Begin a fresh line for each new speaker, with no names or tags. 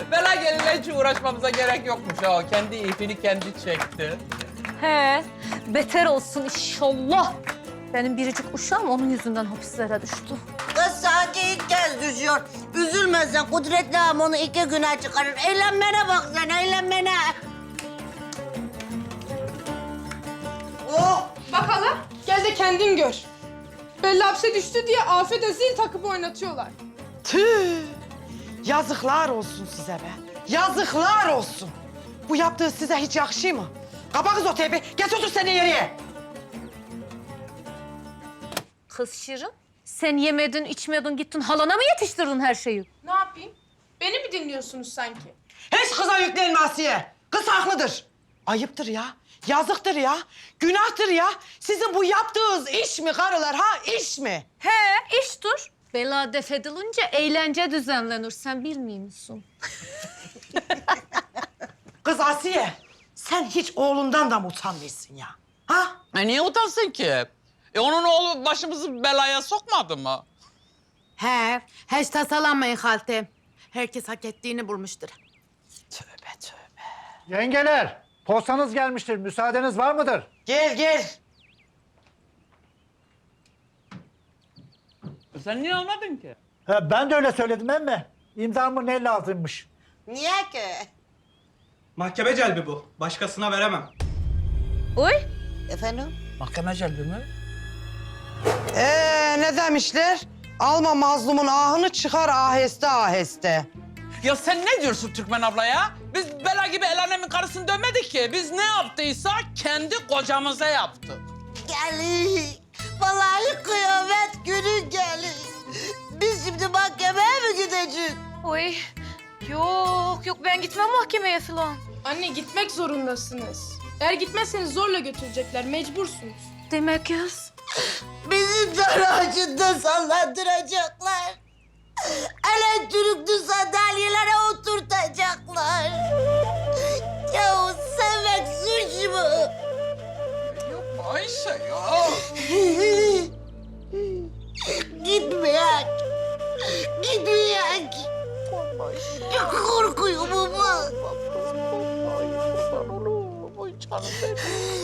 Bela gelinle hiç uğraşmamıza gerek yokmuş ha. Kendi ipini kendi çekti.
He, beter olsun inşallah. Benim biricik uşağım onun yüzünden hapislere düştü.
Kız sadece ilk kez düşüyor. Üzülme sen. Kudretli ağam onu 2 güne çıkarır. Eğlenmene bak sen, eğlenmene. Oh!
Bakalım, gel de kendin gör. Belli hapse düştü diye Afet'e zil takıp oynatıyorlar.
Tüh! Yazıklar olsun size be. Yazıklar olsun. Bu yaptığı size hiç yakışıyor mu? Kapa kız o teybi. Geç otur sen de yere.
Kız Şirin, sen yemedin, içmedin, gittin halana mı yetiştirdin her şeyi?
Ne yapayım? Beni mi dinliyorsunuz sanki?
Hiç kıza yüklenme Asiye. Kız haklıdır. Ayıptır ya. Yazıktır ya. Günahtır ya. Sizin bu yaptığınız iş mi karılar ha? İş mi?
He, iştir. Bela def edilince eğlence düzenlenir. Sen bilmiyor musun?
Kız Asiye. Sen hiç oğlundan da mı utanmıyorsun ya? Ha?
Niye utansın ki? Onun oğlu başımızı belaya sokmadı mı?
He, hiç tasalanmayın haltem. Herkes hak ettiğini bulmuştur.
Tövbe tövbe.
Yengeler, postanız gelmiştir. Müsaadeniz var mıdır?
Gel gel.
Sen niye almadın ki?
Ha, ben de öyle söyledim emme. İmzamı ne lazımmış?
Niye ki?
Mahkeme celbi bu. Başkasına veremem.
Oy,
Efendim?
Mahkeme celbi mi?
Ne demişler? Alma mazlumun ahını çıkar aheste aheste.
Ya sen ne diyorsun Türkmen abla ya? Biz Bela gibi el alemin karısını dövmedik ki. Biz ne yaptıysak kendi kocamıza yaptık.
Gelir. Vallahi kıyamet günü gelir. Biz şimdi mahkemeye mi gideceğiz?
oy. Yok ben gitmem mahkemeye falan.
Anne gitmek zorundasınız. Eğer gitmezseniz zorla götürecekler, mecbursunuz.
Demek kız.
Bizi dar ağacında sallandıracaklar. Elektrikli sandalyelere oturtacaklar. Ya sevmek suç mu?
Yapma Ayşe ya.
Gitmeyek. Gitmeyek. Çok korkuyorum ama.
Ay canım benim.